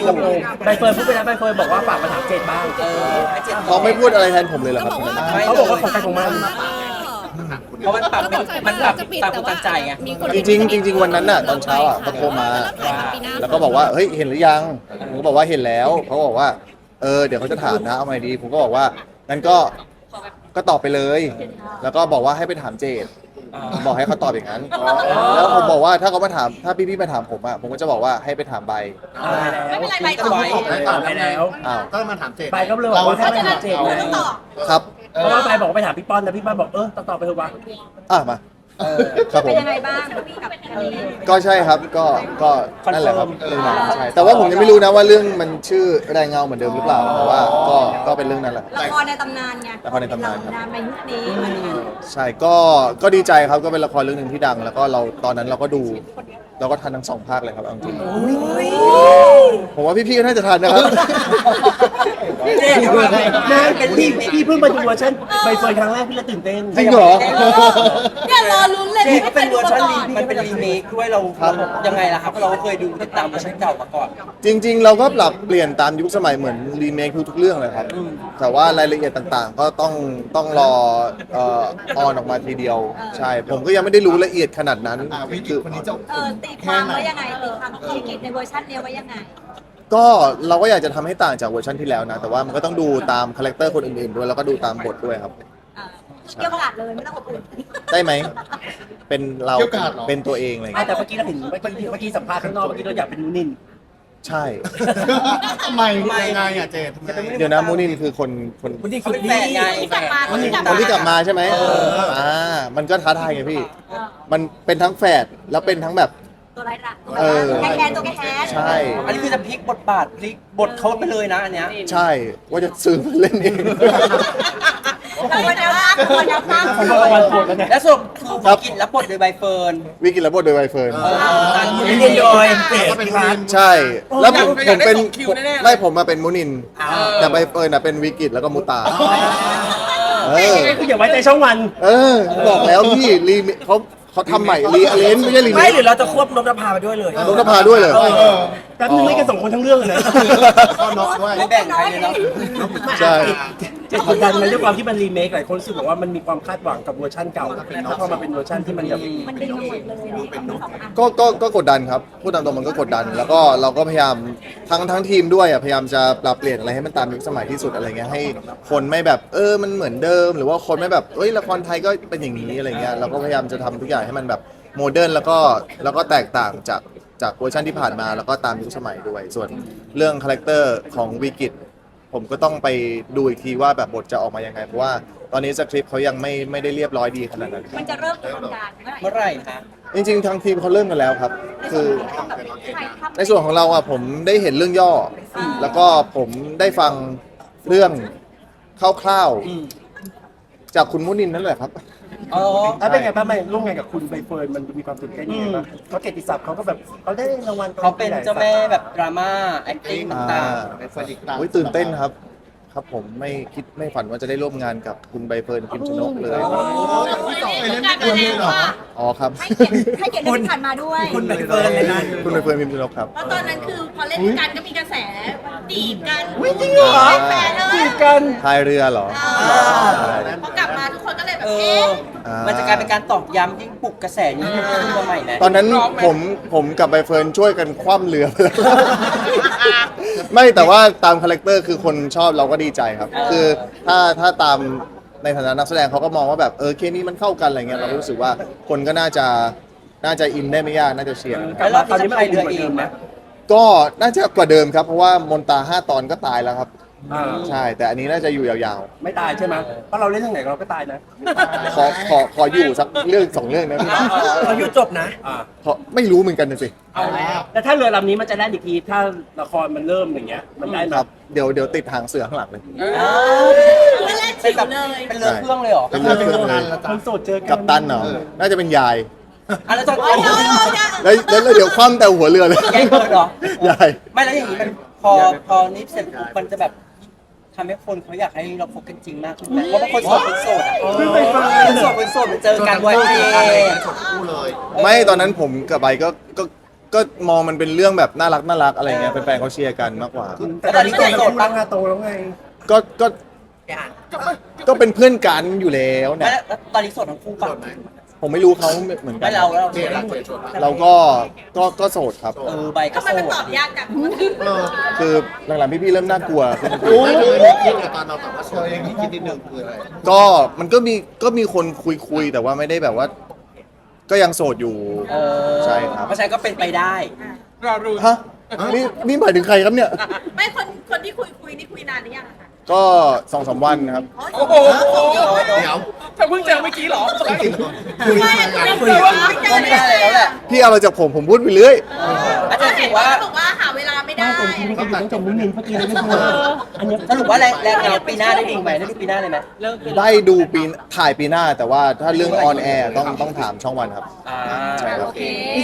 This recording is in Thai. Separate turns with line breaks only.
สิงคโปร์ใบเฟิร์นพูดไปแล้วใบเฟิร์นบอกว่าฝากมาถามเจดบ้าง
ให้เจ็ด
เขาไม่พูดอะไรแทนผมเลยเหรอครับ
เขาบอกว่าของใครของมัน
เพราะมันปรับมันปรับตามคนตั้งใจไง
จริงๆวันนั้นน่ะตอนเช้าอ่ะเขาโทรมาแล้วก็บอกว่าเฮ้ยเห็นหรือยังผมก็บอกว่าเห็นแล้วเขาบอกว่าเดี๋ยวเขาจะถามนะเอาไงดีผมก็บอกว่างั้นก็ตอบไปเลย แล้วก็บอกว่าให้ไปถามเจดผมบอกให้เขาตอบอย่างนั้นแล้วผมบอกว่าถ้าเขามาถามถ้าพี่ๆมาถามผมอ่ะผมก็จะบอกว่าให้ไปถามใบ
ไม่เป็นไรใบตอบ
ตอบไปแล้ว
อ้าว
ก็มาถามเจด
ใบก็เลยบอกว่าให้ไปถามเจดเลย
ต้องตอบ
ครับ
เพราะว่าใบบอกไปถามพี่ป้อนนะพี่ป้อนบอกตอบไปเถอะวะ
มาครับผ
เป็น
ม
ยังไงบ้างกับอันนี้
ก็ใช่ครับก็นั่นแหละครับเรื่องนั้นใช่แต่ว่าผมยังไม่รู้นะว่าเรื่องมันชื่อแรงเงาเหมือนเดิมหรือเปล่าแต่ว่าก็เป็นเรื่องนั้นแหละ
ละครในตำนานไง
ละครในตำนานครับ
ในยุคนี้มัน
ใช่ก็ดีใจครับก็เป็นละครเรื่องหนึ่งที่ดัง แล้วก็เราตอนนั้นเราก็ดูเราก็ทันทั้ง2 ภาคเลยครับเอาจริงผมว่าพี่ๆก็น่าจะทันนะครับ
เจดนานเป็นพี่เพิ่งมาดูเวอร์ชันใบเฟิร์นครั้งแรกพี่เลยตื่นเต้น
จริงเหรอ
เนี่ยรอลุ้นเลย
นี่ก็เป็นเวอร์ชันมันเป็นรีเมคด้วยเรายังไงล่ะครับเราก็เคยดูติดตามเวอร์ชันเก่ามาก่อน
จริงๆ เราก็ปรับเปลี่ยนตามยุคสมัยเหมือนรีเมคทุกๆเรื่องเลยครับ แต่ว่ารายละเอียดต่างๆ ก็ต้องรอออนออกมาทีเดียว ใช่ ผมก็ยังไม่ได้รู้ละเอียดขนาดนั้น
วิกฤตคนนี้จะ
ตีความไว้ยังไงตีความธุรกิจในเวอร์ชันเนี้ยไว้ยังไง
ก็เราก็อยากจะทำให้ต่างจากเวอร์ชันที่แล้วนะ แต่ว่ามันก็ต้องดูตามคาแรคเตอร์คนอื่นๆด้วยแล้วก็ดูตามบทด้วยครับ
เกี่ยวกาดเลยไม่ต้องอบอุ่น
ได้ไหม เป็นเราเป็นตัวเองอะไรอย่าง
แต่
เงี้ย
เมื่อกี้เราเห็นเมื่อกี้สัมภาษณ์ข้างนอกเมื่อกี้เราอยากเป็นนูนิน
ใช่
ทำไมยังไงอ่ะเจดทำไม
เดี๋ยวนะมูนินคือคน
คนที่
เขา
คือ
เป็นแฟนไง
ที่กลับมา
คนที่กลับมาใช่ไหมมันก็ท้าทายไงพี่ มันเป็นทั้งแฝดแล้วเป็นทั้งแบบ
ตัวไรละตัว
เออ
แคนตัวแคน
ใช่
อันนี้คือจะพลิกบทบาทพลิกบทเขาไปเลยนะอันเนี้ย
ใช่ว่าจะซื้อมาเล่นเอง
ตัวแนวตั้งตัวแนวตั้ง
ผมว่าวันปวดแล้วเนี่ย
และสรุปคือวิกิตรับบทโดยใบเฟิร์น
วิกิระบบโดยใบเฟิร์น
ไม่เรียนโดยเจด
ก็เป็นทีม
ใช่ แล้วผมเป็น
ได้ส่งคิวแน่ๆเลย
ไม่ผมมาเป็นมูนิน แต่ใบเฟิร์นน่ะเป็นวิกิตแล้วก็มูตา
คืออย่าไว้ใจช่องวัน
บอกแล้วพี่เขาทำใหม่รีอเลนไม่ใช่รี
ไม่หรือเราจะควบนพนภาไปด้วยเลย
นกนภาด้วยเลย
แป๊บนึงไม่กัน2 คนทั้งเรื่องเลยนะ
ก็น็อกด้วย
ไม่แบ่งใครเลยเนาะ
ใช่
จะกดดันไหมด้วยความที่มันรีเมคหลายคนรู้สึกว่ามันมีความคาดหวังกับเวอร์ชันเก่าแล้วพอมาเป็นเวอร์ชันที่มันแบบ
มันดีหมดเลยเป็นสองอัน
ก็กดดันครับพูดตามตรงมันก็กดดัน แล้วก็เราก็พยายามทั้งทีมด้วยพยายามจะปรับเปลี่ยนอะไรให้มันตามยุคสมัยที่สุดอะไรเงี้ยให้คนไม่แบบมันเหมือนเดิม หรือว่าคนไม่แบบละครไทยก็เป็นอย่างนี้อะไรเงี้ยเราก็พยายามจะทำทุกอย่างให้มันแบบโมเดิร์นแล้วก็แตกต่างจากเวอร์ชันที่ผ่านมาแล้วก็ตามยุคสมัยด้วย ส่วนเรื่องคาแรคเตอร์ของวิกิตผมก็ต้องไปดูอีกทีว่าแบบบทจะออกมายังไงเพราะว่าตอนนี้สคริปต์เขายังไม่ได้เรียบร้อยดีขนาดนั้น
มันจะเริ่มกระบวนการเมื่อไหร่
เมื่อไหร่คะ
จริงๆทางทีมเขาเริ่มกันแล้วครับ คือ
ถ่ายทำ
ในส่วนของเราอ่ะผมได้เห็นเรื่องย่อ แล้วก็ผมได้ฟังเรื่องคร่าวๆจากคุณมุนินนั่นแหละครับ
อ๋อ
ถ้าเป็นไงบ้างมาร่วมงานกับคุณใบเฟิร์นมันมีความตื่นเต้นยังไงบ้างเขาเกียรติศัพท์เขาก็แบบเขาได้รางวัล
เขาเป็นเจ้าแม่แบบดราม่า acting ต่าง
เป็นสลิกต่าง
โอ้ยตื่นเต้นครับ ครับผมไม่ฝันว่าจะได้ร่วมงานกับคุณใบเฟิร์นพิมชนกเลย
ไปเล่นเองเลยเหรอ
อ๋อครับ
ให้เกียรติที่ผ่านมาด้วย
คุณใบเฟิร์นเลยนะ
คุณใบเฟิร์นพิมชนกครับ
เพราะตอนนั้นคือพอเล่นกันก็มีกระแสจีบกัน
จริงเหรอ
แฟนเลย
จีบกัน
พายเรือเหรอ
พอกลับมาทุกคนก็เลยแบ
ๆ
บเอ๊ะ
มันจะกลายเป็นการตอกย้ำยิ่งปลุกกระแสนี้ขึ้นมาใหม่นะ
ตอนนั้นผมกับใบเฟิร์นช่วยกันคว่ำเรือไปแล้ว ไม่แต่ว่าตามคาแรคเตอร์คือคนชอบเราก็ดีใจครับ คือถ้าตามในฐานะนักแสดงเขาก็มองว่าแบบเคมีมันเข้ากันอะไรเงี้ยเราก็รู้สึกว่าคนก็น่าจะอินได้ไม่ยากน่าจะเชียร์
แล้วรอบนี้จะพายเรือเองไหม
ก็น่าจะกว่าเดิมครับ เพราะว่ามนตา5 ตอนก็ตายแล้วครับ
อ่า
ใช่ แต่อันนี้น่าจะอยู่ยาว
ไม่ตายใช่ไหมเพราะเราเล่นทางไหนเราก็ตายนะ
ๆขออยู่สักเรื่อง2 เรื่องนะพี่
เราอยู่จบนะ
ไม่รู้เหมือนกันนะสิ
เอาแล้วแล้วถ้าเรือลำนี้มันจะได้อีกทีถ้าละครมันเริ่มอย่างเงี้ยมันได้ไหม
ครับเดี๋ยวติดหางเสือข้างหลังเลย
ไม่เล่น
เป็
จิ๋
นแบบ
วเลย
เป็นเรือเครื่องเลยเหรอ
เป็นเรื่องเครื่องเลย
คนโสดเจอกัน
กัปตันเหรอน่าจะเป็นยาย
อ่ะแล้วจะ
โอ้ยโอ้ยโอ้ย
แล้วเดี๋ยวคว่ำแต่หัวเรือเลย
แย่งเกิดเหรอ
ยาย
ไม่แล้วอย่างนี้มันพอนี้เสร็จปุ๊บมันจะแบบทำให้คนเขาอยากให้เราพบกันจริงมากขึ้นไหมเพราะบางคนโสดเป็นโสดอ่ะ
คือใบเฟิร์น
คนโสดเป็นโสดมันเจอกันวันเดย์
คู่เลย
ไม่ตอนนั้นผมกับใบก็ก็มองมันเป็นเรื่องแบบน่ารักอะไรเงี้ยแฟนๆเขาเชียร์กันมากกว่า
แต่ตอนนี้โสด
โตแล้วไงโตแล้วไง
ก็เป็นเพื่อนกันอยู่แล้วเนี่ย
แล้วตอนนี้โสดทั้งคู่ป่ะ
ผมไม่รู้เขาเหมือนกั
ไม่
น
เรา
เจดรักเจดชน
เราก็โสดครับ
ใบก็
ทำไม
โส
มัน
ด
ตอบยากจัง
เออ
คือหลังๆพี่ๆเริ่มน่ากลัวขึ้น
ไม่เคยมีคิดตอนเราแบบว่าโชว์ยังคิดนิดนึงคืออะไร
ก็มันก็มีคนคุยแต่ว่าไม่ได้แบบว่า ก็ยังโสดอยู่ ใช่ครับ
เพราะฉะนั้นก็เป็นไปได้
ฮะนี่หมายถึงใครครับเนี่ย
ไม่คนที่คุยนี่คุยนานหรือยังอะคะ
ก็ 2-3 วันครับ
โอ้โห
เดี๋ยว
ถ้าเพิ่งเจอเมื่อกี้เหรอ
คุย
ไม่
กัน
ไม่คุยไม่เจ
ก็
อ
ไม่
เล
ได้
ย
แล้วแหละ
พี่เอาอะไรจากผมพูดไปเรื่อย
อาจารย์
เห็
ถื
น
อ
ว่า
ว่า
บอกว่าหาเวลาไม่ได้
ไม่แต่จริงๆก็อยู่ต้องจมนิดนึงเมื่อกี้เลยไม่พูดอันเนี้ย
สรุปว่าแรงเงาปีหน้าได้ดูไหมได้ดูปีหน้าเลยไหม
ได้ดูถ่ายปีหน้าแต่ว่าถ้าเรื่องออนแอร์ต้องถามช่องวันครับ
อ่า
ใช่ครับ
โอเค